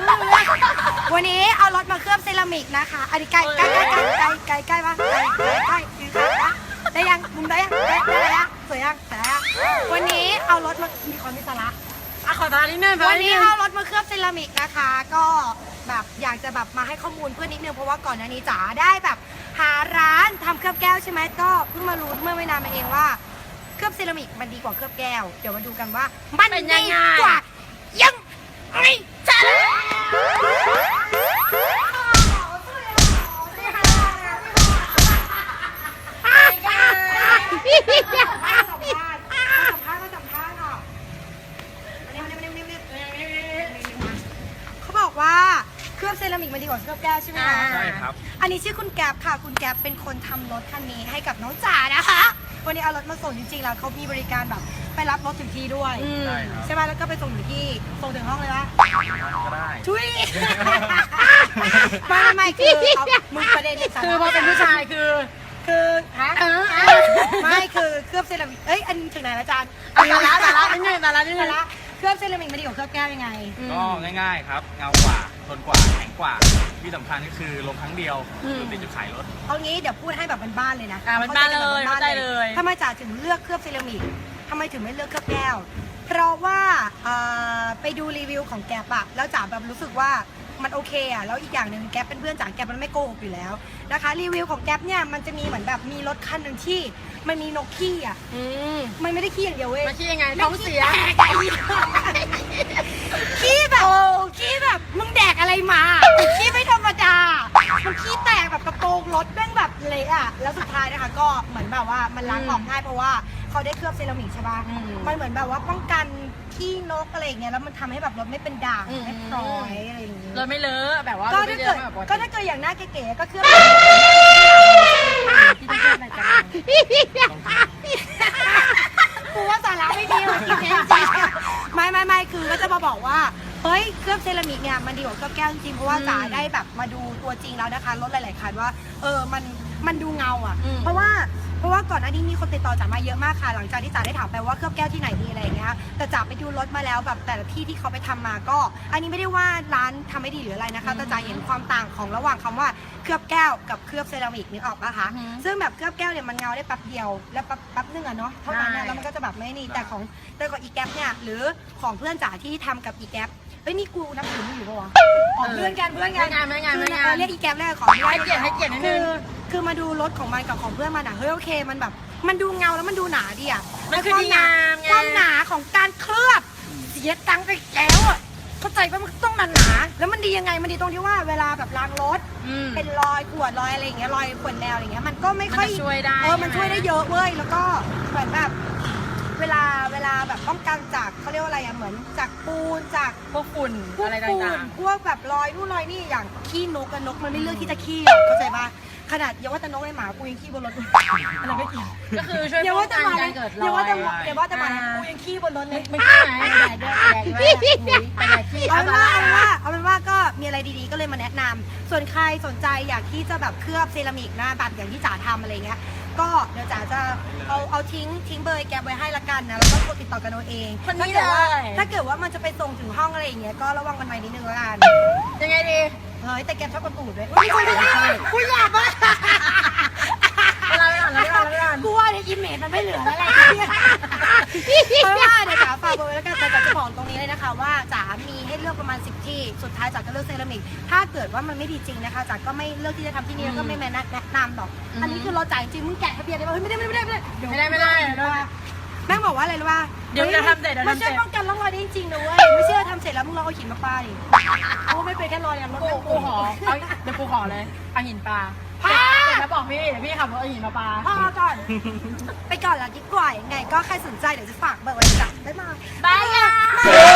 วันนี้เอารถมาเคลือบเซรามิกนะคะอันนี้ใกล้ปะใกล้ปะได้ยังมุมได้ยังได้ยังสวยยังแต่วันนี้เอารถมามีความมีสาระขอตานิดนึงวันนี้เอารถมาเคลือบเซรามิกนะคะก็แบบอยากจะแบบมาให้ข้อมูลเพื่อนนิดนึงเพราะว่าก่อนหน้านี้จ๋าได้แบบหาร้านทำเคลือบแก้วใช่ไหมก็เพิ่งมารู้เมื่อไม่นานมาเองว่าเคลือบเซรามิกมันดีกว่าเคลือบแก้วเดี๋ยวมาดูกันว่ามันดีกว่ายังไงจ้าเขาบอกว่าเคลือบเซรามิกมันดีกว่าเคลือบแก้วใช่ไหมคะใช่ครับอันนี้ชื่อคุณแก๊ปค่ะคุณแก๊ปเป็นคนทำรถคันนี้ให้กับน้องจ๋านะคะวันนี้เอารถมาส่งจริงๆแล้วเขามีบริการแบบไปรับรถถึงที่ด้วยใช่ไหมแล้วก็ไปส่งถึงที่ส่งถึงห้องเลยวะก็ได้ช่วยไม่คือมึงประเด็นคือพอเป็นผู้ชายคือไม่คือเคลือบเซรามิกอันถึงไหนแล้วจานตาละนิดนึงเคลือบเซรามิกมันดีกว่าเคลือบแก้วยังไงก็ง่ายๆครับเงากว่าทนกว่าแข็งกว่าที่สำคัญก็คือลงครั้งเดียวติดจุดขายรถเอางี้เดี๋ยวพูดให้แบบบ้านๆเลยนะบ้านเลยเข้าใจเลยทำไมจ๋าถึงเลือกเคลือบเซรามิกทำไมถึงไม่เลือกเคลือบแก้วเพราะว่าไปดูรีวิวของแก๊ปอะแล้วจ๋าแบบรู้สึกว่ามันโอเคอะแล้วอีกอย่างหนึ่งแก๊ปเป็นเพื่อนจ๋าแก๊ปมันไม่โกหกอยู่แล้วนะคะรีวิวของแก๊ปเนี่ยมันจะมีเหมือนแบบมีรถคันหนึ่งที่มันมีนกขี้อะมันไม่ได้ขี้อย่างเดียวเว้ยมันขี้ยังไงท้องเสียขี้แบบมึงแดกอะไรมาขี้ไม่ธรรมดามันขี้แตกแบบกระโปรงรถแม่งแบบเละอะแล้วสุดท้ายนะคะก็เหมือนแบบว่ามันล้างออกง่ายเพราะว่าเขาได้เคลือบเซรามิกใช่ป่ะมันเหมือนแบบว่าป้องกันขี้นกอะไรอย่างเงี้ยแล้วมันทำให้แบบรถไม่เป็นด่างไม่พร้อยอะไรอย่างเงี้ยรถไม่เลอะแบบว่าก็ถ้าเกิดอย่างหน้าเก๋ๆก็เคลือบที่ต้องเคลือบอะไรกันกูว่าสาระไม่ดีเลยจริงๆไม่คือก็จะมาบอกว่าเฮ้ยเคลือบเซรามิกเนี่ยมันดีกว่าเคลือบแก้วจริงๆเพราะว่าจ๋าได้แบบมาดูตัวจริงแล้วนะคะรถหลายๆคันว่ามันดูเงาอ่ะเพราะว่าก่อนหน้านี้มีคนติดต่อจ๋ามาเยอะมากค่ะหลังจากที่จ๋าได้ถามไปว่าเคลือบแก้วที่ไหนดีอะไรอย่างเงี้ยแต่จ๋าไปดูรถมาแล้วแบบแต่ละที่เขาไปทำมาก็อันนี้ไม่ได้ว่าร้านทำไม่ดีหรืออะไรนะคะแต่จ๋าเห็นความต่างของระหว่างคำว่าเคลือบแก้วกับเคลือบเซรามิกนึกออกปะคะซึ่งแบบเคลือบแก้วเนี่ยมันเงาได้แป๊บเดียวแล้วแป๊บนึงอะเนาะเท่านั้นแล้วมันก็จะแบบไม่นี่แต่ของอีแก๊ปเนี่ยหรือของเพื่อนจ๋าที่ทำกับอีแก๊ปนี่กูนับถือมึงอยู่ปะวะเพื่อนกันไม่งานเรียกอีแก๊ปแรกของให้เกียรตินิดนึงคือมาดูรถของมันกับของเพื่อนมันอะเฮ้ยโอเคมันแบบมันดูเงาแล้วมันดูหนาดีอะมันคือดีงามไงความหนาของการเคลือบเสียตังค์ไปแล้วอะเข้าใจว่ามันต้องหนาแล้วมันดียังไงมันดีตรงที่ว่าเวลาแบบล้างรถเป็นรอยขวดรอยอะไรอย่างเงี้ยรอยขวดแนวอะไรเงี้ยมันก็ไม่ค่อยช่วยได้มันช่วยได้เยอะเว้ยแล้วก็เหมือนแบบเวลาแบบป้องกันจากเขาเรียกว่าอะไรอะเหมือนจากปูนจากพวกฝุ่นอะไรต่างๆพวกแบบรอยนู่นรอยนี่อย่างขี้นกกับนกมันไม่เลือกที่จะขี้เข้าใจป่ะขนาดอย่าว่าแต่นกเลยหมากูยังขี้บนรถอะไรไม่กี่ก็คือช่วยป้องกันการเกิดรอยอย่าว่าแต่หมากูยังขี้บนรถเลยไม่ใช่ไหมแดดขี้เอาเป็นว่าก็มีอะไรดีๆก็เลยมาแนะนำส่วนใครสนใจอยากที่จะแบบเคลือบเซรามิกนะแบบอย่างที่จ๋าทำอะไรเงี้ยก็เดี๋ยวจ๋าจะเอาทิ้งเบอร์แกไว้ให้ละกันนะแล้วก็โทรติดต่อกันเอาเองถ้าเกิดว่ามันจะไปส่งถึงห้องอะไรอย่างเงี้ยก็ระวังกันไว้นิดนึงละกันยังไงดีเฮ้ยแต่แกชอบกระตูดด้วยไม่ใช่กูอยากมากกูว่าในอิมเมจมันไม่เหลือแล้วแหละเพราะว่าเดี๋ยวจ๋าฝากเบอร์ไว้แล้วกันแต่จ๋าจะบอกตรงนี้เลยนะคะว่าจ๋ามีให้เลือกประมาณ10ที่สุดท้ายจ๋าก็เลือกเซรามิกถ้าเกิดว่ามันไม่ดีจริงนะคะจ๋าก็ไม่เลือกที่จะทำที่นี่แล้วก็ไม่แนะนำหรอกอันนี้คือเราจ่ายจริงมึงแกะทะเบียนได้ป่ะไม่ได้ไม่ได้แม่งบอกว่าอะไรรู้ป่ะเดี๋ยวจะทำเสร็จมันช่วยป้องกันร่องรอยได้จริงนะเว้ยไม่เชื่อทำเสร็จแล้วมึงลองเอาหินมาปาดิโอ้ไม่เป็นแค่รอยอย่างรถกูขอเดี๋ยวกูขอเลยเอาหินปลาแล้วบอกพี่เดี๋ยวพี่ขับรถเอาหินมาปลาพ่อก่อนไปก่อนละดีกว่ายังไงก็ใครสนใจเดี๋ยวจะฝากเบอร์ไว้จ้ะบ๊ายบาย